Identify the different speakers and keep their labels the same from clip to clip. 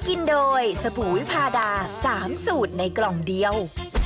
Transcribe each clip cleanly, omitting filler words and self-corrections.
Speaker 1: กินโดยสบู่วิพาดา3 สูตรในกล่องเดียว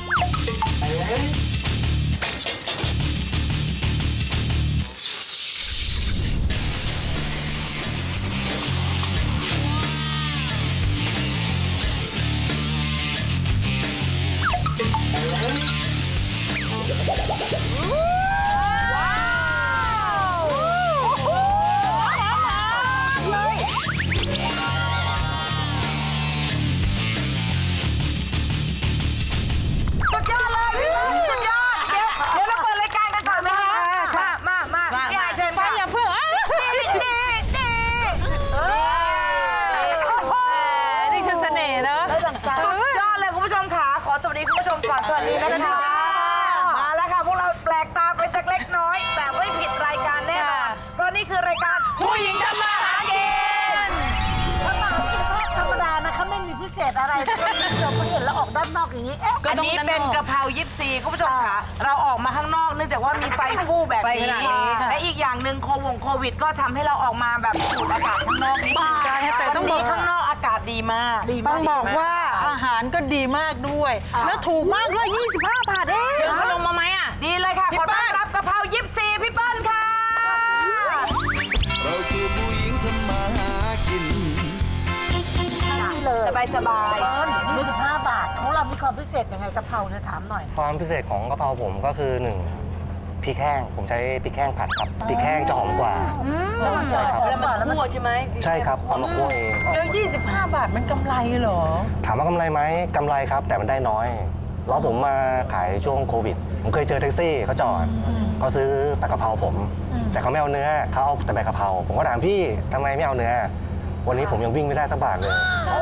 Speaker 2: สวัสดีนะคะมาแล้วค่ะพวกเราแปลกตาไปสักเล็กน้อยแต่ไม่ผิดรายการแน่นอนเพราะนี่คือรายการผู้หญิงทำมาหากินถ้ามาธรรมดานะคะไม่มีพิเศษอะไรเราเพิ่งเห็นแล้วออกด้านนอกอย่างนี้อันนี้เป็นกะเพรายิปซีคุณผู้ชมค่ะเราออกมาข้างนอกเนื่องจากว่ามีไฟฟู่แบบนี้และอีกอย่างหนึ่งโควิดก็ทำให้เราออกมาแบบสูดอากาศข้างนอกนิดนึงแต่ต้องบอกข้างนอกอากาศดีมาก
Speaker 3: ต้องบอกว่าอาหารก็ดีมากด้วยแล้วถูกมากด้วย25 บาทเอง
Speaker 2: เชิญเขาลงมาไหมอ่ะดีเลยค่ะขอต้อนรับกะเพรายิปซีพี่เปิ้ลค่ะ
Speaker 4: เราคือผู้หญิงทำมาหากิน
Speaker 2: นี่เลยสบาย25 บาทของเรามีความพิเศษยังไงกะเพราเนี่ยถามหน่อย
Speaker 5: ความพิเศษของกะเพราผมก็คือ1พริกแห้งผมใช้พริกแห้งผัดครับพริกแห้งจะหอมกว่า
Speaker 2: ใช่ครับแล้วมันคั่วใช่ไหม
Speaker 5: ใช่ครับเอามาคั่วเอง
Speaker 3: แล้ว25 บาทมันกำไรเหรอ
Speaker 5: ถามว่ากำไรไหมกำไรครับแต่มันได้น้อยแล้วผมมาขายช่วงโควิดผมเคยเจอแท็กซี่เขาจอดเขาซื้อแต่กะเพราผมแต่เขาไม่เอาเนื้อเขาเอาแต่ใบกะเพราผมก็ถามพี่ทำไมไม่เอาเนื้อวันนี้ผมยังวิ่งไม่ได้สักบาทเลย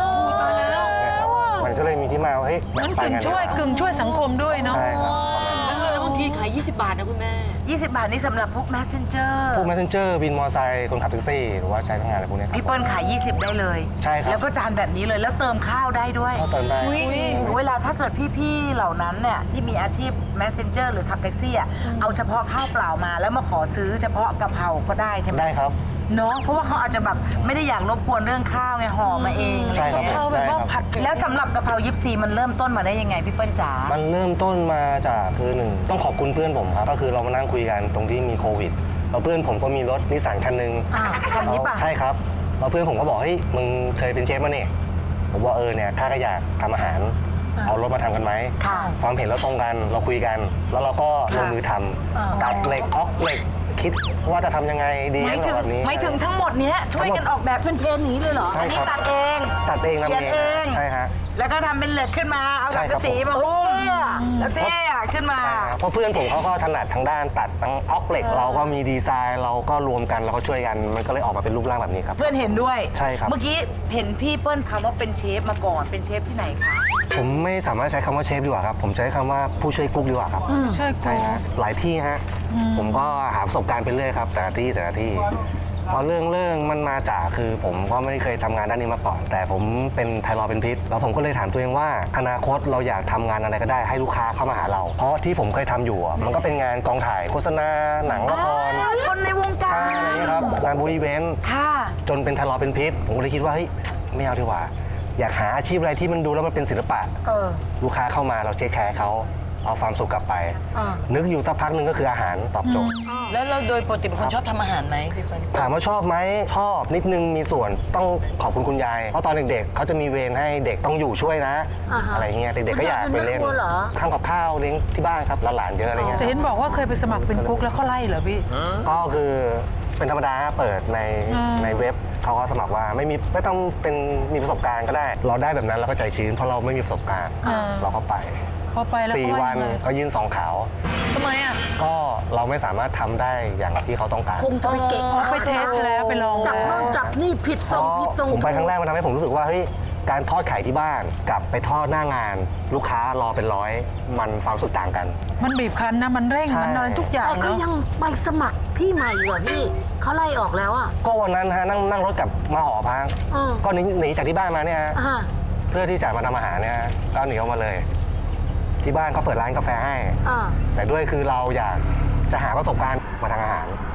Speaker 5: มันก็เลยมีที่มาว่าเฮ้ย
Speaker 3: มันกึ่งช่วยสังคมด้วยเนาะ
Speaker 5: ใช่ครับ
Speaker 2: แล้วบางทีขาย20 บาทนะคุณแม่20 บาทนี่สำหรับพวก messenger
Speaker 5: พวก messenger วินมอเตอร์ไซค์คนขับแท็กซี่หรือว่าใช้ทำงานอะไรพวกนี้
Speaker 2: พี่เปิ้ลขาย20ได้เลย
Speaker 5: ใช่ครับ
Speaker 2: แล้วก็จานแบบนี้เลยแล้วเติมข้าวได้ด้วย
Speaker 5: เติมได้
Speaker 2: เวลาถ้าเกิดพี่ๆเหล่านั้นเนี่ยที่มีอาชีพ messenger หรือขับแท็กซี่เอาเฉพาะข้าวเปล่ามาแล้วมาขอซื้อเฉพาะกะเพราก็ได้ใช่ไหม
Speaker 5: ได้ครับ
Speaker 2: เนาะเพราะว่าเขาอาจจะแบบไม่ได้อยากรบกวนเรื่องข้าวไงห่อมาเอง
Speaker 5: ใช่ครับ
Speaker 2: แบบว่าผัดแล้วสำหรับกะเพรายิปซีมันเริ่มต้นมาได้ยังไงพี่เปิ้ลจ๋า
Speaker 5: มันเริ่มต้นมาจากคือ1ต้องขอบคุณเพื่อนผมครับก็คือเรามานั่งคุยกันตรงที่มีโควิดแล้วเพื่อนผมก็มีรถนิสสันคันนึง
Speaker 2: คันนี้ป่ะ
Speaker 5: ใช่ครับแล้วเพื่อนผมก็บอกเฮ้ยมึงเคยเป็นเชฟมาเนี่ยผมว่าเนี่ยถ้าก็อยากทำอาหารเอารถมาทำกันไหมความเห็นเราตรงกันเราคุยกันแล้วเราก็ลงมือทำตัดเหล็กออกเหล็กคิดว่าจะทำยังไงดีแบบนี้
Speaker 2: ไม่ถึงทั้งหมดเนี้ยช่วยกันออกแบบเป็นเพนนี้เลยเหรออันนี้ตัดเอง
Speaker 5: เขียนเอง
Speaker 2: ใช่ฮะแล้วก็ทำเป็นเหล็กขึ้นมาเอาสังกะสีมาหุ้มแล้วเท่ขึ้นมา
Speaker 5: เพราะเพื่อนผมเขาก็ถนัดทางด้านตัดทั้งออกเหล็กเราก็มีดีไซน์เราก็รวมกันเราก็ช่วยกันมันก็เลยออกมาเป็นรูปร่างแบบนี้ครับ
Speaker 2: เพื่อนเห็นด้วย
Speaker 5: ใช่ครับ
Speaker 2: เมื่อกี้เห็นพี่เปิ้ลคำว่าเป็นเชฟมาก่อนเป็นเชฟที่ไหนคะ
Speaker 5: ผมไม่สามารถใช้คำว่าเชฟดีกว่าครับผมใช้คำว่าผู้ช่วยกุ๊กดีกว่าครับใช่ฮะหลายที่ฮะผมก็หาประสบการณ์ไปเรื่อยครับแต่ละที่พอเรื่องมันมาจากคือผมก็ไม่ได้เคยทำงานด้านนี้มาก่อนแต่ผมเป็นไทรอยด์เป็นพิษแล้วผมก็เลยถามตัวเองว่าอนาคตเราอยากทำงานอะไรก็ได้ให้ลูกค้าเข้ามาหาเราเพราะที่ผมเคยทำอยู่มันก็เป็นงานกองถ่ายโฆษณาหนังละคร
Speaker 2: คนในวงการ
Speaker 5: ใช่อะไรนี้ครับงานบูธอีเวนต์จนเป็นไทรอยด์เป็นพิษผมก็เลยคิดว่าเฮ้ยไม่เอาดีกว่าอยากหาอาชีพอะไรที่มันดูแล้วมันเป็นศิลปะลูกค้าเข้ามาเราเทคแคร์เขาเอาความสุขกลับไปนึกอยู่สักพักหนึ่งก็คืออาหารตอบโจทย์
Speaker 3: แล้วเราโดยปกติเป็นคนชอบทำอาหารไหมพี่เปิ้ล
Speaker 5: ถามว่าชอบไหมชอบนิดนึงมีส่วนต้องขอบคุณยายเพราะตอนเด็กๆเขาจะมีเวรให้เด็กต้องอยู่ช่วยนะอะไรเงี้ยเด็กๆก็อยากไปเล่นทำกับข้าวเลี้ยงที่บ้านครับหลานๆเยอะอะไรเงี้ย
Speaker 3: แต่เห็นบอกว่าเคยไปสมัครเป็นกุ๊กแล้วเขาไล่เหรอพี่
Speaker 5: ก็คือเป็นธรรมดาเปิดในเว็บเขาก็สมัครว่าไม่ต้องเป็นมีประสบการณ์ก็ได้เราได้แบบนั้นเราก็ใจชื้นเพราะเราไม่มีประสบการณ์เราก็ไป
Speaker 3: พอไปแล้ว
Speaker 5: 4 วันก็ยื่น2 ขาว
Speaker 3: ทำไมอ่ะ
Speaker 5: ก็เราไม่สามารถทำได้อย่างที่เขาต้องการ
Speaker 2: คงจะไปเก่ง
Speaker 3: ไปเทสแล้วไปลอง
Speaker 2: จับโน่นจับนี่ผิดทรง
Speaker 5: ผมไปครั้งแรกมันทำให้ผมรู้สึกว่าเฮ้ยการทอดไข่ที่บ้านกับไปทอดหน้างานลูกค้ารอเป็นร้อยมันความรู้สึกต่างกัน
Speaker 3: มันบีบคั้นนะมันเร่งมันอะไรทุกอย่าง
Speaker 2: แต่ก็ยังไปสมัครที่ใหม่เหรอพี่เขาไล่ออกแล้วอ่ะ
Speaker 5: ก็วันนั้นฮะนั่งรถกลับมาหอพักก็หนีจากที่บ้านมาเนี่ยเพื่อที่จะมาทำอาหารเนี่ยก็หนีออกมาเลยที่บ้านเขาเปิดร้านกาแฟให้แต่ด้วยคือเราอยากจะหาประสบการณ์มาทางอาหาร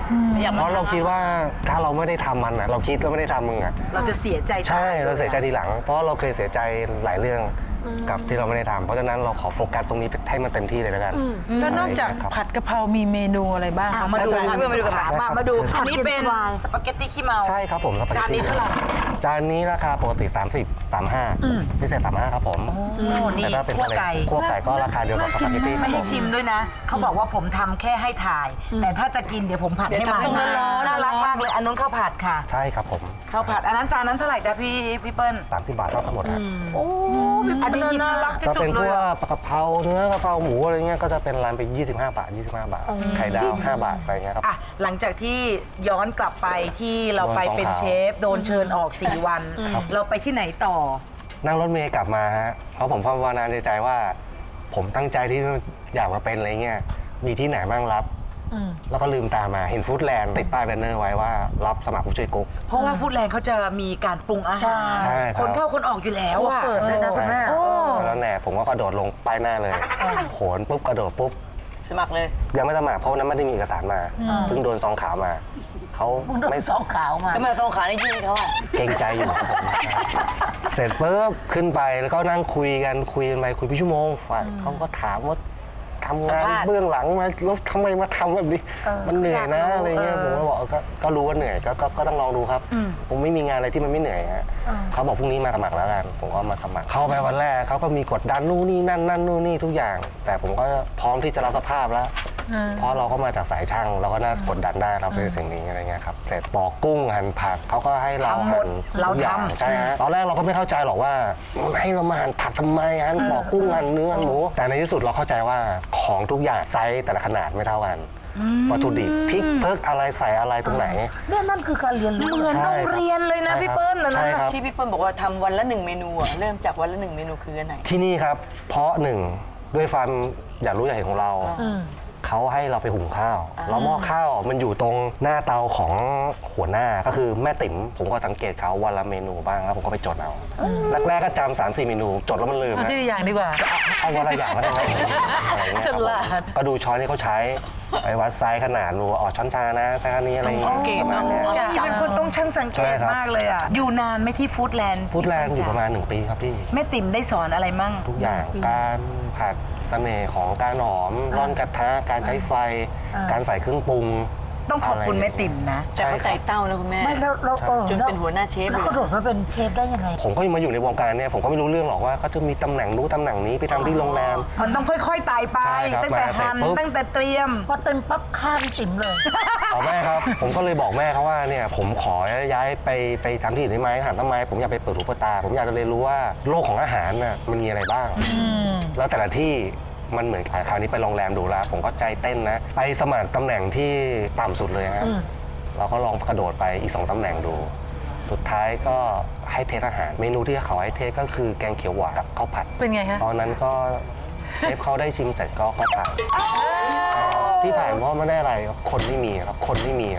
Speaker 5: เพราะเราคิดว่าถ้าเราไม่ได้ทำมันอ่ะเราคิดแล้วไม่ได้ทำมึงอ่ะ
Speaker 2: เราจะเสียใจ
Speaker 5: ใช่เราเสียใจทีหลัง เพราะเราเคยเสียใจหลายเรื่องกับที่เราไม่ได้ทำเพราะฉะนั้นเราขอโฟกัสตรงนี้ให้มันเต็มที่เลยแล้วกัน
Speaker 3: แล้วนอกจาก
Speaker 5: ครับ
Speaker 3: ผัดกะเพรามีเมนูอะไรบ้างคะ
Speaker 2: มาดู
Speaker 5: แล้วจะ
Speaker 2: ค่ะมาดูกันมาดูอันนี้เป็น
Speaker 6: ผัดเย็นสบาย
Speaker 2: สปาเกตตี้ขี้เมา
Speaker 5: ใช่ครับผมสปาเกตตี้
Speaker 2: จานนี้เท่าไหร่
Speaker 5: จานนี้ราคาปกติ 30 35พิเศษ35ครับผม
Speaker 2: โอ้นี่
Speaker 5: แต่ถ้าเป็น
Speaker 2: คั่วไก่
Speaker 5: คั่วไก่ก็ราคาเดียวกับสปาเกตตี้
Speaker 2: ไม่ให้ชิมด้วยนะ เขาบอกว่าผมทำแค่ให้ถ่าย แต่ถ้าจะกินเดี๋ยวผมผัดให้ใหม่
Speaker 3: เดี๋ยวทำร้อนๆ
Speaker 2: น่ารักมากเลยอันนู้นข้าวผัดค่ะ
Speaker 5: ใช่ครับผม
Speaker 2: ข้าวผัดอันนั้นจานนั้นเท่าไหร่จ๊ะพี่เปิ้ล
Speaker 5: 30 บาทเท่ากันหมดครับ
Speaker 2: โอ้อันนี้น่ารักที่
Speaker 5: ก็
Speaker 2: สุ
Speaker 5: เป็
Speaker 2: ด
Speaker 5: น
Speaker 2: เล
Speaker 5: พ
Speaker 2: ยว
Speaker 5: ก
Speaker 2: อะ
Speaker 5: กะเพราเนื้อกะเพราหมูอะไรเงี้ยก็จะเป็นร้านไป25 บาทไข่ดาว5 บาทอะไรเงี้ยครับ
Speaker 2: อ่ะหลังจากที่ย้อนกลับไปที่เราไปเป็นเชฟโดนเชิญออก 4 วัน เราไปที่ไหนต่อ
Speaker 5: นั่งรถเมล์กลับมาฮะเพราะผมภาวนาในใจว่า ผมตั้งใจที่อยากมาเป็นอะไรเงี้ยมีที่ไหนบ้างรับแล้วก็ลืมตามาเห็นฟู้ดแลนด์ติดป้ายแบนเนอร์ไว้ว่ารับสมัครผู้ช่วยกุ๊ก
Speaker 2: เพราะว่าฟู้ดแลนด์เขาจะมีการปรุงอาหาร
Speaker 5: ใช่ครับ
Speaker 2: คนเข้าคนออกอยู่แล้วอะ
Speaker 6: เปิดเลยนะคุณแม่
Speaker 2: โอ้
Speaker 5: แล้วแน่ผมก็กระโดดลงป้ายหน้าเลยโหนปุ๊บกระโดดปุ๊บ
Speaker 2: สมัครเลย
Speaker 5: ยังไม่สมัครเพราะวันนั้นไม่ได้มีเอกสารมาเพิ่งโดนซองขาวมาเขาไม่
Speaker 6: สองขาวมา
Speaker 2: ทำไมซองขาในยื่นเขาอะ
Speaker 5: เกรงใจอยู่ครับผมเสร็จปุ๊บขึ้นไปแล้วก็นั่งคุยกันไปคุยเป็นชั่วโมงฝ่ายเขาก็ถามว่าทำงานเบื้องหลังมาแล้วทำไมมาทำแบบนี้มันเหนื่อยนะอะไรเงี้ยผมก็บอกก็รู้ว่าเหนื่อยก็ต้องลองดูครับผมไม่มีงานอะไรที่มันไม่เหนื่อยฮะเขาบอกพรุ่งนี้มาสมัครแล้วกันผมก็มาสมัครเข้าไปวันแรกเขาก็มีกดดันนู่นนี่นั่นนู่นนี่ทุกอย่าง แต่ผมก็พร้อมที่จะรับสภาพแล้วเพราะเราก็มาจากสายช่างเราก็น่ากดดันได้เราเป็นสิ่งนี้อะไรเงี้ยครับเสร็จปอกกุ้งหั่นผักเขาก็ให้เราหั่นทุกอย่างใช่ฮะตอนแรกเราก็ไม่เข้าใจหรอกว่าให้เรามาหั่นผักทำไมหั่นปอกกุ้งหั่นเนื้อหั่นหมูแต่ในที่สุดเราเข้าใจว่าของทุกอย่างไซส์แต่ละขนาดไม่เท่ากันวัตถุดิบพริกเพิกอะไรใส่อะไรตรงไหน
Speaker 6: เนี่ยนั่นคือการเรียนรู้
Speaker 2: เหมือนโรงเรียนเลยนะพี่เปิ้ลนะ
Speaker 5: ใช่ครับ
Speaker 7: ที่พี่เปิ้ลบอกว่าทำวันละ1 เมนูอะเริ่มจากวันละ 1 เมนูคืออันไหน
Speaker 5: ที่นี่ครับเพราะหนึ่งด้วยความอยากรู้อยากเห็นของเราเขาให้เราไปหุงข้าวแล้วหม้อข้าวมันอยู่ตรงหน้าเตาของหัวหน้าก็คือแม่ติ๋มผมก็สังเกตเขาวันละเมนูบ้างแล้วผมก็ไปจดเอาแรกๆก็จำ3-4 เมนูจดแล้วมันลืม
Speaker 3: เอา
Speaker 5: นะ
Speaker 3: ที่อย่างดีกว่า
Speaker 5: เอาวันละอย่างก็ได้ไหมอะไรเงี้ย
Speaker 3: ฉลาด
Speaker 5: ก็ดูช้อนที่เขาใช้ไปวัดไซส์ขนาดรู้ว่าอ๋อช้อนชานะไซส์แค่นี้อะไรอย่างเงี้ย
Speaker 2: สังเกต
Speaker 5: ประ
Speaker 2: นะ
Speaker 5: มาณเนี้ย
Speaker 2: เป็นคนต้องช่างสังเก
Speaker 5: ใช่
Speaker 2: ต
Speaker 5: ครับ
Speaker 2: มากเลยอ่ะอยู่นานไหม่ที่ฟู้ดแลนด์
Speaker 5: ฟู้ดแลนด์อยู่ประมาณ1 ปีครับพี่
Speaker 2: แม่ติ๋มได้สอนอะไรมั่ง
Speaker 5: ทุกอย่างการผัดเสน่ห์ของการหอมร่อนกระทะการใช้ไฟ การใส่เครื่องปรุง
Speaker 2: ต้องขอบคุณแม่ติ๋มนะ
Speaker 7: แต่เขาไต่เต้านะคุณแม่
Speaker 6: ไม่แล้วเรา
Speaker 7: จนเป็นหัวหน้าเชฟ
Speaker 6: แล้ว
Speaker 7: เลย
Speaker 6: กระโดดมาเป็นเชฟได้ยังไง
Speaker 5: ผมก็มาอยู่ในวงการเนี่ยผมก็ไม่รู้เรื่องหรอกว่าเขาจะมีตำแหน่งนู้นตำแหน่งนี้ไปทำที่โรงแรม
Speaker 2: มันต้องค่อยๆไต่ไป
Speaker 5: ใช่ครับ
Speaker 2: ตั้งแต่
Speaker 5: มาเสร็จ
Speaker 2: หั่น
Speaker 5: ปุ๊บ
Speaker 2: ตั้งแต่เตรียม
Speaker 6: พอเต็มปั๊บฆ่าพี่ติ๋มเลย
Speaker 5: เอาแม่ครับ ผมก็เลยบอกแม่เขาว่าเนี่ยผมขอย้ายไปทำที่อื่นได้ไหมถามทำไมผมอยากไปเปิดหูเปิดตา ผมอยากจะเรียนรู้ว่าโลกของอาหารน่ะมันมีอะไรบ้างแล้วแต่ละที่มันเหมือนกันคราวนี้ไปโรงแรมดูแล้ว ผมก็ใจเต้นนะ ไปสมัครตำแหน่งที่ต่ำสุดเลยฮะเราก็ลองกระโดดไปอีก2 ตำแหน่งดู สุดท้ายก็ให้เทสอาหาร เมนูที่เขาให้เทสก็คือแกงเขียวหวานกับข้าวผัด
Speaker 3: เป็นไงฮะ
Speaker 5: ตอนนั้นก็เชฟเขาได้ชิมเสร็จก็ผ่านที่ผ่านเพราะไม่ได้อะไรคนไม่มีครับคนไม่มีครับ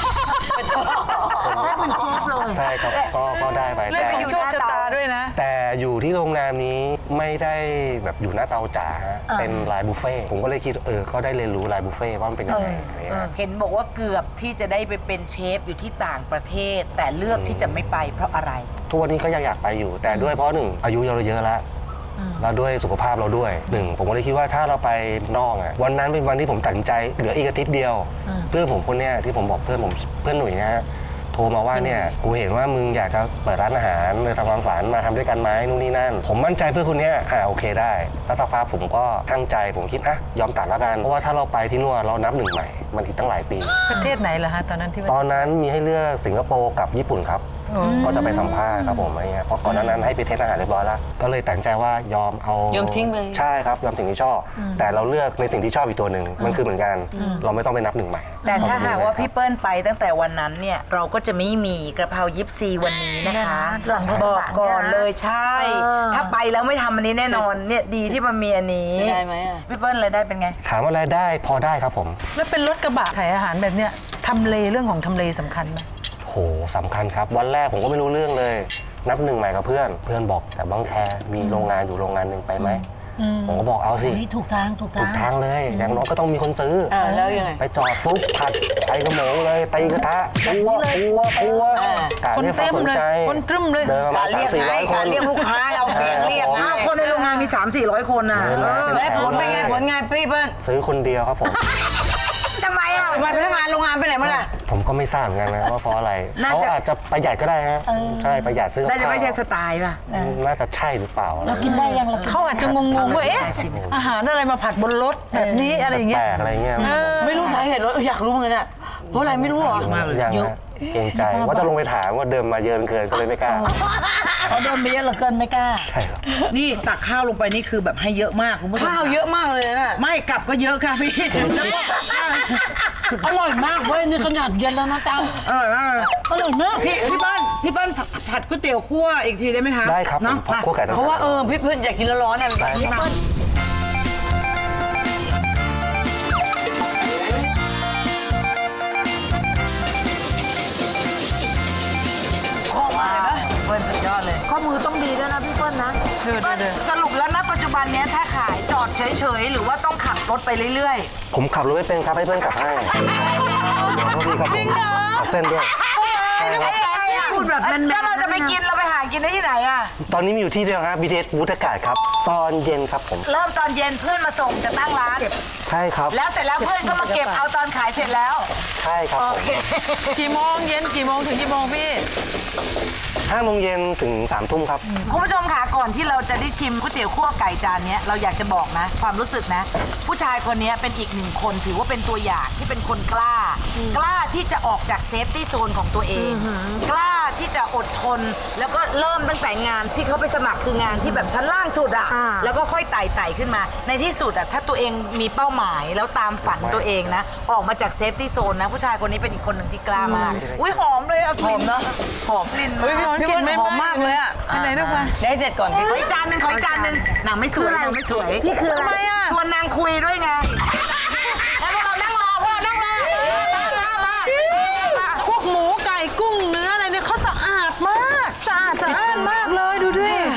Speaker 6: ได้เป็นเชฟเลย
Speaker 5: ใช่ครับก็ได้ไป
Speaker 3: เรื่องของโชคชะตาด้วยนะ
Speaker 5: แต่อยู่ที่โรงแรมนี้ไม่ได้แบบอยู่หน้าเตาจ๋าฮะเป็นไลน์บุฟเฟ่ต์ผมก็เลยคิดก็ได้เรียนรู้ไลน์บุฟเฟ่ต์ว่ามันเป็นยังไงอะไรเงี้ย
Speaker 2: เห็นบอกว่าเกือบที่จะได้ไปเป็นเชฟอยู่ที่ต่างประเทศ แต่เลือกที่จะไม่ไปเพราะอะไร
Speaker 5: ทุกวันนี้ก็ยังอยากไปอยู่ แต่ด้วยเพราะหนึ่งอายุเราเยอะแล้วแล้วด้วยสุขภาพเราด้วยหนึ่งผมก็เลยคิดว่าถ้าเราไปนอกอ่ะวันนั้นเป็นวันที่ผมตัดสินใจเหลืออีกอาทิตย์เดียวเพื่อนผมคนเนี้ยที่ผมบอกเพื่อนหนุ่ยนะฮะโทรมาว่าเนี่ยกูเห็นว่ามึงอยากจะเปิดร้านอาหารเลยทำความฝันมาทำด้วยกันไหมนู่นนี่นั่นผมมั่นใจเพื่อนคนเนี้ยโอเคได้แล้วสักพักผมก็ตั้งใจผมคิดยอมตัดแล้วกันเพราะว่าถ้าเราไปที่นู่นเรานับหนึ่งใหม่มันอีกตั้งหลายปี
Speaker 3: ประเทศไหนล่ะฮะตอนนั้นที่ว่า
Speaker 5: ตอนนั้นมีให้เลือกสิงคโปร์กับญี่ปุ่นครับ ก็จะไปสัมภาษณ์ครับผมอะไรเงี้ยเพราะก่อนหน้านั้นให้ไปเทสอาหารเรียบร้อยแล้วก็เลยตัดใจว่ายอมเอาย
Speaker 7: อมทิ้งเลย
Speaker 5: ใช่ครับยอมสิ่งที่ชอบ แต่เราเลือกในสิ่งที่ชอบอีกตัวหนึ่งมันคือเหมือนกัน เราไม่ต้องไปนับหนึ่งใหม่
Speaker 2: แต่ถ้าหากว่าพี่เปิ้ลไปตั้งแต่วันนั้นเนี่ยเราก็จะไม่มีกระเพรายิปซีวันนี้นะคะ
Speaker 6: หลัง
Speaker 2: บอกก่อนเลยใช่
Speaker 6: เออ
Speaker 2: ถ้าไปแล้วไม่ทำอันนี้แน่นอนเนี่ยดีที่มันมีอันนี้
Speaker 7: ได้ไหมอะ
Speaker 2: พี่เปิ้ลรายได้เป็นไง
Speaker 5: ถามว่ารายได้พอได้ครับผม
Speaker 3: แล้วเป็นรถกระบะขายอาหารแบบเนี้ยทำเลเรื่องของทำเลสำคัญไหม
Speaker 5: โหสำคัญครับวันแรกผมก็ไม่รู้เรื่องเลย นับหนึ่งใหม่กับเพื่อนบอกแต่บางแคมีโรงงานอยู่โรงงานหนึ่งไปไหมผมก็บอกเอาสิ
Speaker 6: เฮ้ยถูกทางถูก
Speaker 5: ถู
Speaker 6: ทาก ง
Speaker 5: ทางเลย อย่างน้อยก็ต้องมีคนซื้อ
Speaker 7: แล้วยังไง
Speaker 5: ไปจอดฟุบผัดไปกระโหมงเลยตีกระทะปัวกะ
Speaker 3: คน
Speaker 5: เรียกค
Speaker 3: เต็
Speaker 5: วาม
Speaker 3: ม
Speaker 5: สน
Speaker 3: เลย
Speaker 5: ใจ
Speaker 3: คนตรึมเลย
Speaker 5: เดินประมาณ300-400 คน
Speaker 7: เรียกลูกค้าเอาเสียงเรียก
Speaker 2: อ้าวคนในโรงงานมี 300-400 คนน่ะ
Speaker 7: และผลเป็นไงผลไงพี่เปิ้ล
Speaker 5: ซื้อคนเดียวครับผม
Speaker 2: ทำไมอ่ะ
Speaker 7: ทำไมพนักงานโรงงานไปไหนหมดอ่ะ
Speaker 5: ผมก็ไม่ทราบเหมือนกันนะว่าเพราะอะไร
Speaker 2: น่า
Speaker 5: เขา
Speaker 2: จะ
Speaker 5: อาจจะประหยัดก็ได้ฮะใช่ประหยัดซื้อกับ
Speaker 2: น่าจะ
Speaker 5: ข้าว
Speaker 2: ไม่ใช่สไตล์ป่ะ
Speaker 5: น่าจะใช่หรือเปล่า
Speaker 6: เรากินได้ยังเรากิน
Speaker 3: เขาอาจจะงงๆว่าเอ๊ะอาหารอะไรมาผัดบนรถแบบนี้อะไรอย่างเงี้
Speaker 5: แป
Speaker 3: ย
Speaker 5: ลกอะไรเงี้ย
Speaker 7: ไม่รู้สาเหตุว่าอยากรู้เหมือนกันอ่ะเพราะอะไรไม่รู้เหรอ
Speaker 5: ยังนะเกรงใจว่าจะลงไปถามว่าเดิมมาเยอะเกินก็เลยไม่กล้า
Speaker 6: เขาเดินไปเยอะเหลือเกินไม่กล้า
Speaker 5: ใช่ครับ
Speaker 2: นี่ตักข้าวลงไปนี่คือแบบให้เยอะมากคุณผู้ชม
Speaker 7: ข้าวเยอะมากเลยนะ
Speaker 2: ไม่กลับก็เยอะค่ะพี่แล้วก็
Speaker 6: อร่อยมากเว้ยนี่ขนาดเย็นแล้วนะจังอร่อยมาก
Speaker 2: พี่เปิ้ลผัดก๋วยเตี๋ยวคั่วอีกทีได้ไหมคะ
Speaker 5: ได้ครับ
Speaker 2: เนาะ
Speaker 5: ผมคั่วไก่ต้ม
Speaker 7: เพราะว่าพี่เพื่อนอยากกินร้อนๆอ่ะ
Speaker 5: ได้ครับ
Speaker 2: เปิ้ลสุดยอดเลยข้อมือต้องดีด้วยนะพี่เปิ้ลนะสรุปแล้วนะปัจจุบันเนี้ยถ้าขายจอดเฉยๆหรือว่าต้องขับรถไปเรื่อย
Speaker 5: ผมขับรถไม่เป็นครับให้เพื่อนขับให้เดี๋ยวโทษทีครับผมขับเส้นด้วย
Speaker 2: ๆพูดแบบนั้นถ้าเราจะไปกินเราไปหากินได้ที่ไหนอ่ะ
Speaker 5: ตอนนี้มีอยู่ที่เดียวครับ BTS วุฒากาศครับ ตอนเย็นครับผม
Speaker 2: เริ่มตอนเย็นเพื่อนมาส่งจะตั้งร้าน
Speaker 5: ใช่ครับ
Speaker 2: แล้วเสร็จแล้วเพื่อนก็มาเก็บเอาตอนขายเสร็จแล้ว
Speaker 5: ใช่ครับผม
Speaker 3: กี่โมงเย็นกี่โมงถึงกี่โมงพี่
Speaker 5: 5 โมงเย็นถึง 3 ทุ่มครับ
Speaker 2: คุณผู้ชมค่ะก่อนที่เราจะได้ชิมก๋วยเตี๋ยวคั่วไก่จานเนี้ยเราอยากจะบอกนะ ความรู้สึกนะ ผู้ชายคนนี้เป็นอีกหนึ่งคนถือว่าเป็นตัวอย่างที่เป็นคนกล้า กล้าที่จะออกจากเซฟตี้โซนของตัวเอง กล้าที่จะอดทน แล้วก็เริ่มตั้งแต่งานที่เขาไปสมัครคืองานที่แบบชั้นล่างสุดอะแล้วก็ค่อยไต่ขึ้นมา ในที่สุดอะถ้าตัวเองมีเป้าหมายแล้วตามฝันตัวเองนะ ออกมาจากเซฟตี้โซนนะ ผู้ชายคนนี้เป็นอีกคนหนึ่งที่กล้ามากอุ้ยหอมเลยอะหอมนะหอมกลิ่น
Speaker 3: เฮ้ย
Speaker 2: มาก
Speaker 3: พี่บอลหอมมากเลยอ่ะไปไหนลูกมา
Speaker 7: ได้เสร็จก่อนพี่
Speaker 2: ขออีกจานหนึ่งขออีกจานหนึ่งนางไม่สวยนางไม่สวยนี่คืออะไร
Speaker 3: ทำไมอ่ะ
Speaker 2: ชวนนางคุยด้วยไงแล้วพวกเรานั่งรอพวกเรานั่งรอมา
Speaker 3: พวกหมูไก่กุ้งเนื้ออะไรเนี่ยเขาสะอาดมากสะอาดมากเลยดูดิ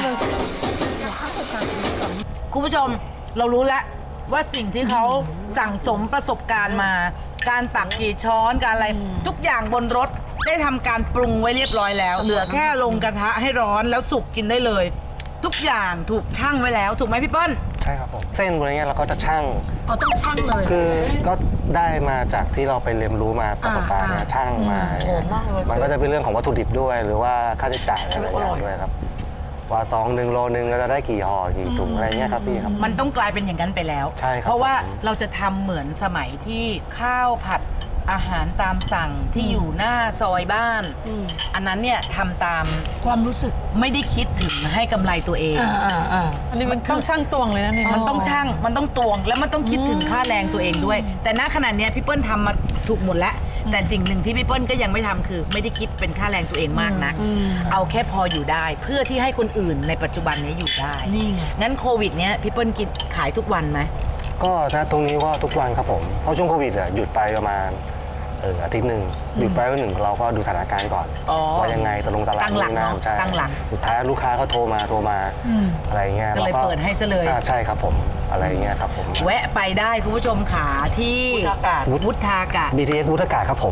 Speaker 2: คุณผู้ชมเรารู้แล้วว่าสิ่งที่เขาสั่งสมประสบการณ์มา การตักกี่ช้อนการอะไรทุกอย่างบนรถได้ทำการปรุงไว้เรียบร้อยแล้ว เหลือแค่ลงกระทะให้ร้อนแล้วสุกกินได้เลย ทุกอย่างถูกชั่งไว้แล้วถูกไหมพี่เปิ้ล
Speaker 5: ใช่ครับผม เส้นบนนี้เราก็จะชั่ง
Speaker 6: เอาต้องชั่งเลย
Speaker 5: คือก็ได้มาจากที่เราไปเรียนรู้มาประสบการณ์เนี่ยช่างมามันก็จะเป็นเรื่องของวัตถุดิบด้วย หรือว่าค่าใช้จ่ายอะไรอย่างด้วยครับ ว่าซอง1 โลนึงเราจะได้กี่ห่อกี่ถุงอะไรเงี้ยครับพี่ครับ
Speaker 2: มันต้องกลายเป็นอย่างนั้นไปแล้ว
Speaker 5: ใช่ครับ
Speaker 2: เพราะว่าเราจะทำเหมือนสมัยที่ข้าวผัดอาหารตามสั่งที่อยู่หน้าซอยบ้าน อันนั้นเนี่ยทำตาม
Speaker 6: ความรู้สึก
Speaker 2: ไม่ได้คิดถึงให้กำไรตัวเอง
Speaker 3: อันนี้มันต้องช่างตวงเลยนะเนี่ย
Speaker 2: มันต้องช่างมันต้องตวง แล้วมันต้องคิดถึงค่าแรงตัวเองด้วย แต่ณขณะเนี้ยพี่เปิ้ลทำมาถูกหมดแล้ว แต่สิ่งหนึ่งที่พี่เปิ้ลก็ยังไม่ทำคือ ไม่ได้คิดเป็นค่าแรงตัวเองมากนัก เอาแค่พออยู่ได้ เพื่อที่ให้คนอื่นในปัจจุบันนี้อยู่ได้
Speaker 6: นี่ไง
Speaker 2: งั้นโควิดเนี้ยพี่เปิ้ลกินขายทุกวันไหม
Speaker 5: ก็นะตรงนี้ก็ทุกวันครับผม เพราะช่วงโควิดอะหยุดไปประมาณอาทิตย์หนึ่งหยุดไปวันหนึ่งเราก็ดูสถานการณ์ก่อน
Speaker 2: อ๋อ
Speaker 5: ว่ายังไงตกลงตลาด
Speaker 2: ตั้งหลัก
Speaker 5: นี่นะ
Speaker 2: เนอะ
Speaker 5: ใช่
Speaker 2: ตั้งหลัก
Speaker 5: สุดท้ายลูกค้าก็โทรมาอะไรเงี้ย
Speaker 2: ก็เลย
Speaker 5: รา
Speaker 2: เปิดให้ซะเลย
Speaker 5: ใช่ครับผมอะไรเงี้ยครับผม
Speaker 2: แวะไปได้คุณผู้ชมขาที่วุฒากาศ
Speaker 5: BTS วุฒากาศครับผม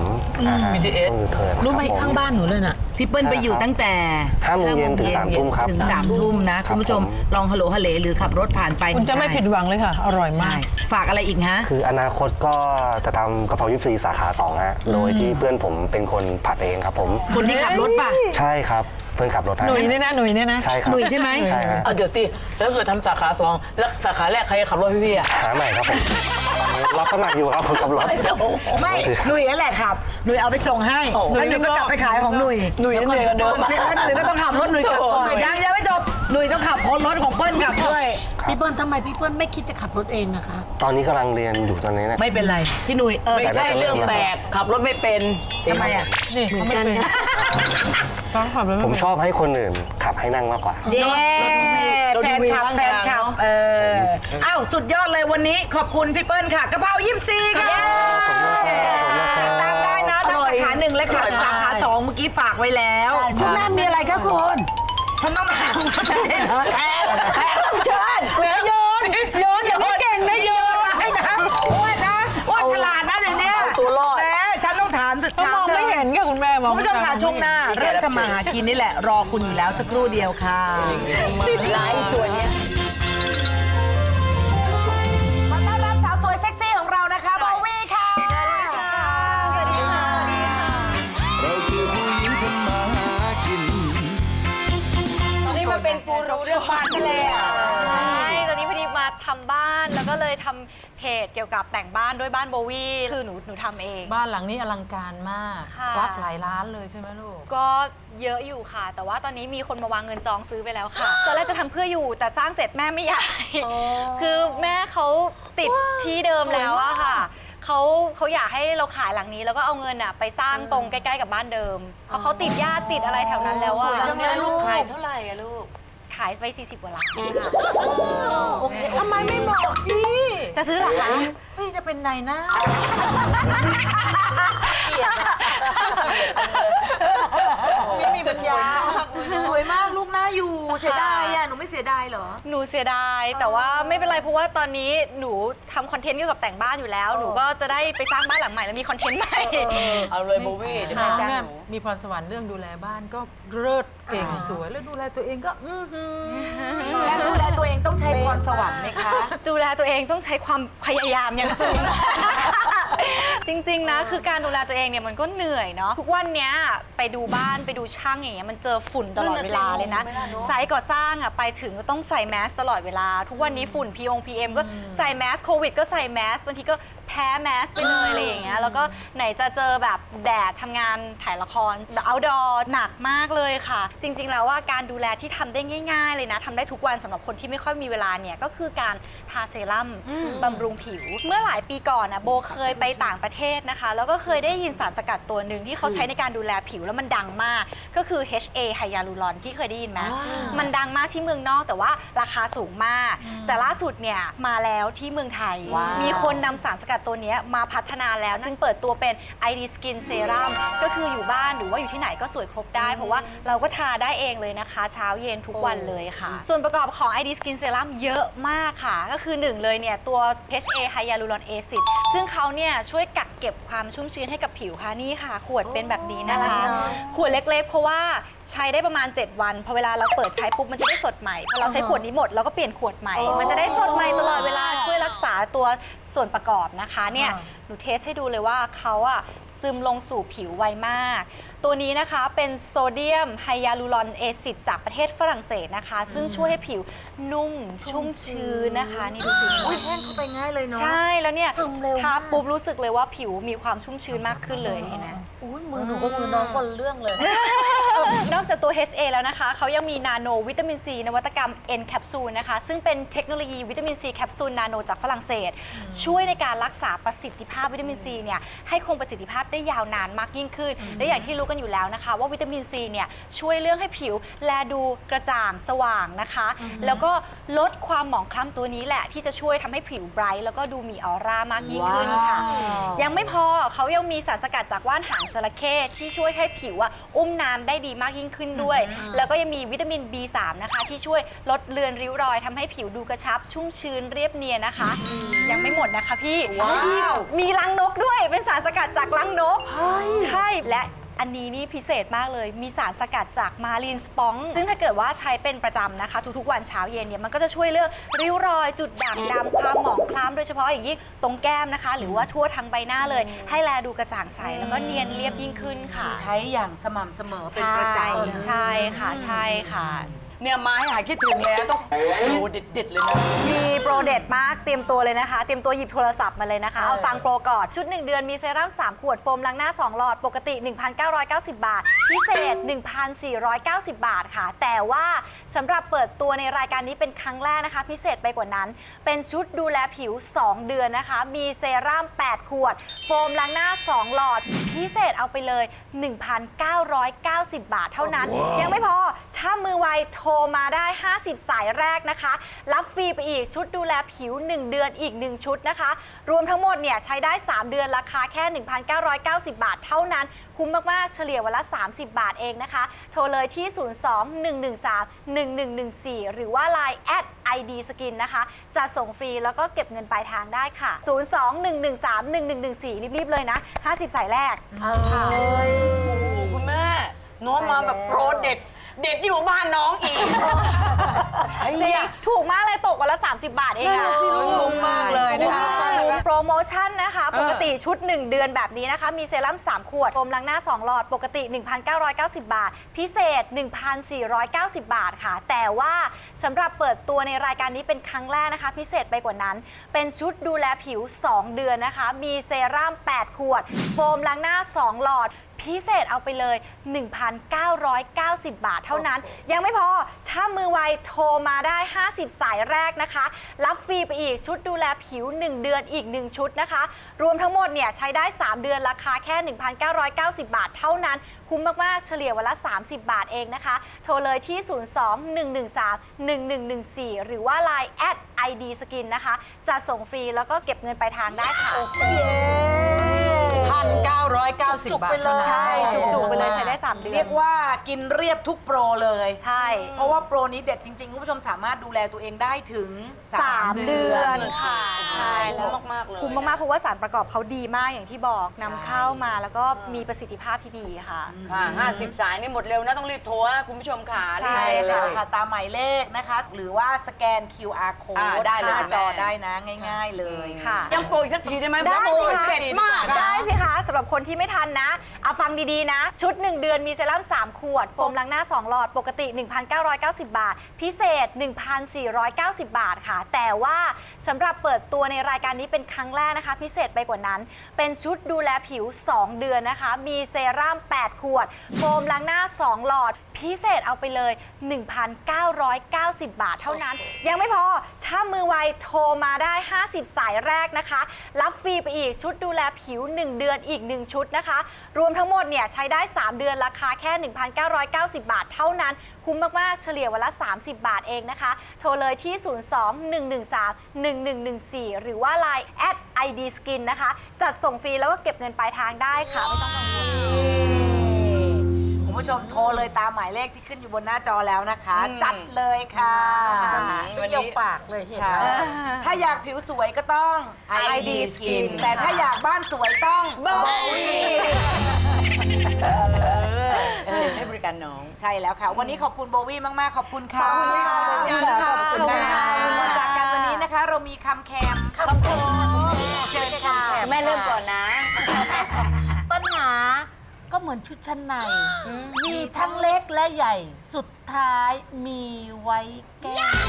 Speaker 5: BTS ยูเทิร์น
Speaker 6: รู้ไหมข้างบ้านหนูเลยน่ะ
Speaker 2: พี่เปิ้ลไปอยู่ตั้งแต่
Speaker 5: 5 โมงเย็นถึง 3 ทุ่มครับ
Speaker 2: ถึง3 ทุ่มนะคุณผู้ชมลองฮัลโหลฮัลเลหรือขับรถผ่านไป
Speaker 3: คุณจะไม่ผิดหวังเลยค่ะ อร่อยมา
Speaker 2: ใช่
Speaker 3: ก
Speaker 2: ฝากอะไรอีกฮะ
Speaker 5: คืออนาคตก็จะทำกะเพรา24 สาขา 2 ฮะ โดยที่เพื่อนผมเป็นคนผัดเองครับผม
Speaker 2: คนที่ขับรถป่ะ
Speaker 5: ใช่ครับเพื่อนขับรถให้
Speaker 3: หนุ่ยเนี่ยนะหนุ่ยเนี่ยนะ
Speaker 5: ใช่ครับ
Speaker 2: หนุ่ยใช่ไหม
Speaker 5: ใช่ฮะ
Speaker 7: เดี๋ยวตีแล้วเกิดทำสาขา2แล้วสาขาแรกใครจะขับรถพี่อ่ะ
Speaker 5: หาใหม่ครับผมรับสมัครอยู่ครับคนขับรถ
Speaker 2: ไม่หนุ่ยนั่นแหละขับหนุ่ยเอาไปส่งให้แล้วหนุ่ยก็กลับไปขายของหนุ่ย
Speaker 7: หนุ่ยเหนื่อยกว่าเดิม
Speaker 2: แล้วหนุ่ยก็ต้องขับรถหนุ่ยกลับก่อนยังไม่จบหนุ่ยต้องขับรถของเปิ้ลกลับด้วย
Speaker 6: พี่เปิ้ลทำไมพี่เปิ้ลไม่คิดจะขับรถเองนะคะ
Speaker 5: ตอนนี้กำลังเรียนอยู่ตอนนี้นะ
Speaker 2: ไม่เป็นไรพี่หนุ่ย
Speaker 7: ไม่ใช่เรื่องแปลกขับรถไม่เป็น
Speaker 2: ทำไมอ่ะ
Speaker 3: นี่เขาไม่เป็นฟ้องขับเลย
Speaker 5: ผมชอบให้คนอื่นขับให้นั่งมากกว่า
Speaker 2: เย้แฟนคลับอ้าวสุดยอดเลยวันนี้ขอบคุณพี่เปิ้ลค่ะกระเพรา24ค่ะตามได้นะทั้งสาขา1และสาขา2เมื่อกี้ฝากไว้แล้ว
Speaker 6: ช่วงหน้ามีอะไรคะคุณ
Speaker 2: ฉันต้องถามแขกรับเชิญ
Speaker 3: แหมโยนโยนอย่างนี้เก่งนะโยนให้นะ
Speaker 2: อ้วนนะอ้วนฉลาดนะเดี๋ยวนี้
Speaker 7: ตัวรอด
Speaker 2: แหมฉันต้องถาม
Speaker 3: มองไม่เห็นค่ะคุณแม่มอง
Speaker 2: คุณผู้ชมค่ะช่วงหน้า เรื่องทำมาหากินนี่แหละ รอคุณอยู่แล้วสักครู่เดียวค่ะ
Speaker 7: หลายตัวเนี้ย
Speaker 2: ขอต้อนรับสาวสวยเซ็กซี่ของเรานะคะโบวี่ค่ะ
Speaker 1: สวัสดีค่ะ
Speaker 4: เราคือผู้หญิงทำมาหากิน
Speaker 7: ตอนนี้มาเป็นกูรูเรื่องบ้านไปเลยอ่ะ
Speaker 8: ใช่ตอนนี้พอดีมาทำบ้านแล้วก็เลยทำเพจเกี่ยวกับแต่งบ้านด้วยบ้านโบวี่คือหนูทำเอง
Speaker 3: บ้านหลังนี้อลังการมาก
Speaker 8: ค่ะ
Speaker 3: ควักหลายล้านเลยใช่ไหมลูก
Speaker 8: ก็เยอะอยู่ค่ะ แต่ว่าตอนนี้มีคนมาวางเงินจองซื้อไปแล้วค่ะตอนแรกจะทำเพื่ออยู่แต่สร้างเสร็จแม่ไม่อยากคือแม่เขาติดที่เดิมแล้วอะค่ะเขาอยากให้เราขายหลังนี้แล้วก็เอาเงินอะไปสร้างตรงใกล้ๆกับบ้านเดิมเพราะเขาติดญาติติดอะไรแถวนั้นแล้วอะ
Speaker 7: หลังนี้ลูกขายเท่าไหร่อะลูก
Speaker 8: ขายไป40กว่าล้านค่ะ
Speaker 3: ทำไมไม่บอกพี่
Speaker 8: จะซื้อเหรอคะ
Speaker 3: พี่จะเป็นนายหน้า
Speaker 7: มีปัญญา
Speaker 1: สวยมากลูกน่าอยู่ เสียดายอ่ะ หนูไม่เสียดายเหรอ
Speaker 8: หนูเสียดายแต่ว่าไม่เป็นไรเพราะว่าตอนนี้หนูทำคอนเทนต์เกี่ยวกับแต่งบ้านอยู่แล้ว หนูก็จะได้ไปสร้างบ้านหลังใหม่แล้วมีคอนเทนต์ใหม่
Speaker 7: เอาเลยโบวี่เดี๋ยว
Speaker 3: น้
Speaker 7: แม่
Speaker 3: อง
Speaker 7: จ้าง
Speaker 3: เนี่ย
Speaker 7: หนู
Speaker 3: มีพรสวรรค์เรื่องดูแลบ้านก็เลิศเก่งสวยแล้วดูแลตัวเองก็
Speaker 2: และดูแลตัวเองต้องใช้พรสวรรค์ไหมคะ
Speaker 8: ดูแลตัวเองต้องใช้ความพยายามอย่างสูง จริงๆนะคือการดูแลตัวเองเนี่ยมันก็เหนื่อยเนาะทุกวันเนี้ยไปดูบ้านไปดูช่างอย่างเงี้ยมันเจอฝุ่นตลอดเวลาเลยนะไซต์ก่อสร้างอ่ะไปถึงก็ต้องใส่แมสตลอดเวลา ทุกวันนี้ฝุ่น PM ก็ใส่แมสโควิดก็ใส่แมสบางทีก็แพ้แมสไปเลยอะไรอย่างเงี้ยแล้วก็ไหนจะเจอแบบแดดทำงานถ่ายละครแบบ outdoor หนักมากเลยค่ะ จริงๆแล้วว่าการดูแลที่ทำได้ง่ายๆเลยนะทำได้ทุกวันสำหรับคนที่ไม่ค่อยมีเวลาเนี่ยก็คือการทาเซรั่มบำรุงผิว เมื่อหลายปีก่อนนะโบเคยไปต่างประเทศนะคะแล้วก็เคยได้ยินสารสกัดตัวหนึ่งที่เขาใช้ในการดูแลผิวแล้วมันดังมาก ก็คือ HA ไฮยาลูรอนที่เคยได้ยินไหมมันดังมากที่เมืองนอกแต่ว่าราคาสูงมาก แต่ล่าสุดเนี่ยมาแล้วที่เมืองไทย มีคนนำสารสกัดตัวนี้มาพัฒนาแล้วจึงเปิดตัวเป็น ID Skin Serum ก็คืออยู่บ้านหรือว่าอยู่ที่ไหนก็สวยครบได้ เพราะว่าเราก็ทาได้เองเลยนะคะ เช้าเย็นทุกวันเลยค่ะ ส่วนประกอบของ ID Skin Serum เยอะมากค่ะ ก็คือหนึ่งเลยเนี่ยตัว HA Hyaluron Acid ซึ่งเขาเนี่ยช่วยกักเก็บความชุ่มชื้นให้กับผิวค่ะนี่ค่ะ ขวดเป็นแบบนี้นะคะ ขวดเล็กๆ เพราะว่าใช้ได้ประมาณ 7 วันพอเวลาเราเปิดใช้ปุ๊บมันจะได้สดใหม่พอเราใช้ขวดนี้หมดเราก็เปลี่ยนขวดใหม่ มันจะได้สดใหม่ตลอดเวลาช่วยรักษาตัวส่วนประกอบนะคะเนี่ยหนูเทสให้ดูเลยว่าเขาอะซึมลงสู่ผิวไวมาก ตัวนี้นะคะเป็นโซเดียมไฮยาลูรอนเอซิดจากประเทศฝรั่งเศสนะคะ ซึ่งช่วยให้ผิวนุ่มชุ่มชื้นนะคะนี่ดูสิ
Speaker 1: แห้งเข้าไปง่ายเลยเนาะ
Speaker 8: ใช่แล้วเนี่ย
Speaker 1: ซึมเร็ว
Speaker 8: ทาม
Speaker 1: าก
Speaker 8: ปุ๊บรู้สึกเลยว่าผิวมีความชุ่มชื้นมากขึ้นเลยเห็นไหม
Speaker 1: อุ้ยมือหนูก็มือน้องคนละเรื่องเลย
Speaker 8: นอกจากตัว HA แล้วนะคะ เขายังมีนาโนวิตามินซีนวัตกรรม N แคปซูลนะคะ ซึ่งเป็นเทคโนโลยีวิตามินซีแคปซูลนาโนจากฝรั่งเศส ช่วยในการรักษาประสิทธิภาพวิตามินซีเนี่ยให้คงประสิทธิภาพได้ยาวนานมากยิ่งขึ้น และอย่างที่รู้กันอยู่แล้วนะคะ ว่าวิตามินซีเนี่ยช่วยเรื่องให้ผิวแลดูกระจ่างสว่างนะคะ แล้วก็ลดความหมองคล้ำตัวนี้แหละ ที่จะช่วยทำให้ผิวไบรท์แล้วก็ดูมีออร่ามากยิ่งขึ้นค่ะ ยังไม่พอเขายังมีสารสกัดจากว่านหางจระเข้ที่ช่วยให้ผิวอุ้มน้ำได้ดีมากยิ่งขึ้นด้วย แล้วก็ยังมีวิตามิน B3 นะคะที่ช่วยลดเลือนริ้วรอยทำให้ผิวดูกระชับชุ่มชื้นเรียบเนียนนะคะ ยังไม่หมดนะคะพี่มีรังนกด้วยเป็นสารสกัดจากรังนกใช่และอันนี้นี่พิเศษมากเลยมีสารสกัดจากมารีนสปองซึ่งถ้าเกิดว่าใช้เป็นประจำนะคะทุกๆวันเช้าเย็นเนี่ยมันก็จะช่วยเรื่องริ้วรอยจุดด่างดำความหมองคล้ำโดยเฉพาะอย่างยิ่งตรงแก้มนะคะ หรือว่าทั่วทั้งใบหน้าเลย ให้แลดูกระจ่างใสแล้วก็เนียนเรียบยิ่งขึ้นค่ะ
Speaker 2: ใช้อย่างสม่ำเสมอเป็นประจำ
Speaker 8: ใช่ค่ะใช่ค่ะ
Speaker 7: เนี่ยไม้หายคิดถึงแล้วต้องดูเด็ดๆเลยนะ
Speaker 8: มีโปรเด็ดมากเตรียมตัวเลยนะคะ เตรียมตัวหยิบโทรศัพท์มาเลยนะคะ เอาฟังโปรก่อนชุด 1 เดือนมีเซรั่ม3 ขวดโฟมล้างหน้า 2 หลอด ปกติ 1,990 บาท พิเศษ 1,490 บาทค่ะ แต่ว่าสำหรับเปิดตัวในรายการนี้เป็นครั้งแรกนะคะ พิเศษไปกว่านั้น เป็นชุดดูแลผิว 2 เดือนนะคะ มีเซรั่ม8 ขวด โฟมล้างหน้า 2 หลอด พิเศษเอาไปเลย 1,990 บาทเท่านั้น ยังไม่พอถ้ามือไวโทรมาได้ 50 สายแรกนะคะ รับฟรีไปอีกชุดดูแลผิว 1 เดือนอีก 1 ชุดนะคะ รวมทั้งหมดเนี่ยใช้ได้ 3 เดือนราคาแค่ 1,990 บาทเท่านั้นคุ้มมากๆเฉลี่ยวันละ 30 บาทเองนะคะ โทรเลยที่ 02-113-1114 หรือว่า Line @ID Skin นะคะจะส่งฟรีแล้วก็เก็บเงินปลายทางได้ค่ะ 02-113-1114 รีบๆเลยนะ 50 สายแรก
Speaker 7: โอ้คุณแม่น้องมาแบบโปรเด็ดเด็ดอยู่บ้านน้องอีก
Speaker 8: จริงถูกมากเลยตกวันละ 30 บาทเองอะ
Speaker 3: คุ้มมากเลยนะคะ
Speaker 8: โปรโมชั่นนะคะ ปกติชุด 1 เดือนแบบนี้นะคะ มีเซรั่ม 3 ขวดโฟมล้างหน้า 2 หลอด ปกติ 1,990 บาท พิเศษ 1,490 บาทค่ะ แต่ว่าสำหรับเปิดตัวในรายการนี้เป็นครั้งแรกนะคะ พิเศษไปกว่านั้น เป็นชุดดูแลผิว 2 เดือนนะคะ มีเซรั่ม 8 ขวด โฟมล้างหน้า 2 หลอด พิเศษเอาไปเลย 1,990 บาทเท่านั้น ยังไม่พอ ถ้ามือไวโทรมาได้ 50 สายแรกนะคะ รับฟรีไปอีกชุดดูแลผิว 1 เดือนอีก 1 ชุดนะคะ รวมทั้งหมดเนี่ยใช้ได้ 3 เดือนราคาแค่ 1,990 บาทเท่านั้น คุ้มมากๆเฉลี่ยวันละ 30 บาทเองนะคะ โทรเลยที่ 02-113-1114 หรือว่า Line @ID Skin นะคะจะส่งฟรีแล้วก็เก็บเงินปลายทางได้ค่ะ
Speaker 3: 1,990 บาท
Speaker 8: ใช่ จุกๆไปเลยใช้ได้ 3 เดือน
Speaker 2: เรียกว่ากินเรียบทุกโปรเลย
Speaker 8: ใช่
Speaker 2: เพราะว่าโปรนี้เด็ดจริงๆ คุณผู้ชมสามารถดูแลตัวเองได้ถึง
Speaker 8: 3 เดือนค่ะใช่แล้ว
Speaker 7: คุ้มมากๆเลย
Speaker 8: คุ้มมากๆเพราะว่าสารประกอบเขาดีมากอย่างที่บอกนำเข้ามาแล้วก็มีประสิทธิภาพที่ดีค่ะ
Speaker 7: ค่ะ50 สายนี่หมดเร็วนะต้องรีบโทรนะคุณผู้ชมค่ะ
Speaker 8: ใช่
Speaker 7: รีบ
Speaker 2: ใช่
Speaker 7: เล
Speaker 2: ค่ะ
Speaker 7: ย
Speaker 2: ค่ะตามหมายเลขนะคะ หรือว่าสแกน QR code
Speaker 7: ได้เลย
Speaker 2: หน้าจอ
Speaker 7: แม่
Speaker 2: ได้นะง่าย ๆเลย
Speaker 8: ค่ะ
Speaker 7: ยังโปรอีกสักทีได้ไหม
Speaker 8: ได้
Speaker 7: โปร
Speaker 8: สิคะ
Speaker 7: เด็ดมาก
Speaker 8: ได้สิคะสำหรับคนที่ไม่ทันนะเอาฟังดีๆนะ ชุด 1 เดือนมีเซรั่ม 3 ขวด โฟมล้างหน้า 2 หลอด ปกติ 1,990 บาท พิเศษ 1,490 บาทค่ะ แต่ว่าสำหรับเปิดตัวในรายการนี้เป็นครั้งแรกนะคะ พิเศษไปกว่านั้น เป็นชุดดูแลผิว 2 เดือนนะคะ มีเซรั่ม 8 ขวด โฟมล้างหน้า 2 หลอด พิเศษเอาไปเลย 1,990 บาทเท่านั้น ยังไม่พอ ถ้ามือไวโทรมาได้ 50 สายแรกนะคะ รับฟรีไปอีกชุดดูแลผิว 1 เดือนอีก 1 ชุดนะคะ รวมทั้งหมดเนี่ยใช้ได้ 3 เดือนราคาแค่ 1,990 บาทเท่านั้น คุ้มมากๆเฉลี่ยวันละ 30 บาทเองนะคะ โทรเลยที่ 02-113-1114 หรือว่า Line @ID Skin นะคะจัดส่งฟรีแล้วก็เก็บเงินปลายทางได้ค่ะ ไม่ต้องกังวล
Speaker 2: คุณผู้ชมโทรเลยตามหมายเลขที่ขึ้นอยู่บนหน้าจอแล้วนะคะ จัดเลยค่ะ
Speaker 7: วัน
Speaker 2: ย
Speaker 7: นี้
Speaker 2: กปากเลยเห็นแล้วถ้าอยากผิวสวยก็ต้อง ID Skin แต่ถ้าอยากบ้านสวยต้อง Bowie
Speaker 7: ใช้บริการน้อง
Speaker 2: ใช่แล้วค่ะ วันนี้ขอบคุณโบวี่มาก ๆ ขอบคุณค่ะ
Speaker 8: ขอบคุณค่ะ
Speaker 2: ขอบคุณค่ะ
Speaker 8: ขอบคุณค่ะ
Speaker 2: ก่อนจากกันวันนี้นะคะ เรามีคำแคมเชิญค่ะ
Speaker 7: แม่เริ่มก่อนนะ
Speaker 6: ปัญหาก็เหมือนชุดชั้นใน มีทั้งเล็กและใหญ่ สุดท้ายมีไว้แก้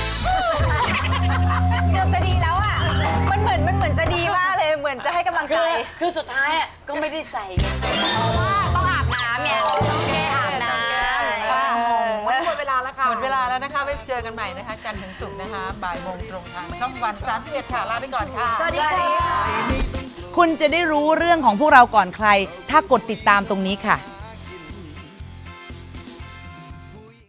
Speaker 8: เกือบจะดีแล้วอ่ะ มันเหมือนจะดีมากเลย เหมือนจะให้กำลังใจ
Speaker 7: คือสุดท้ายอ่ะก็ไม่ได้ใส่ไง
Speaker 8: เพราะว่าต้องอาบน้ำเนี่ยต้องแก้อาบน้ำ
Speaker 2: วันนี้หมดเวลาแล้วค่ะ
Speaker 3: หมดเวลาแล้วนะคะไว้เจอกันใหม่นะคะ จันทร์ถึงศุกร์นะคะ บ่ายโมงตรงทางช่องวัน 31 ค่ะ ลาไปก่อนค่ะ
Speaker 2: สวัสดีค่ะ
Speaker 9: คุณจะได้รู้เรื่องของพวกเราก่อนใคร ถ้ากดติดตามตรงนี้ค่ะ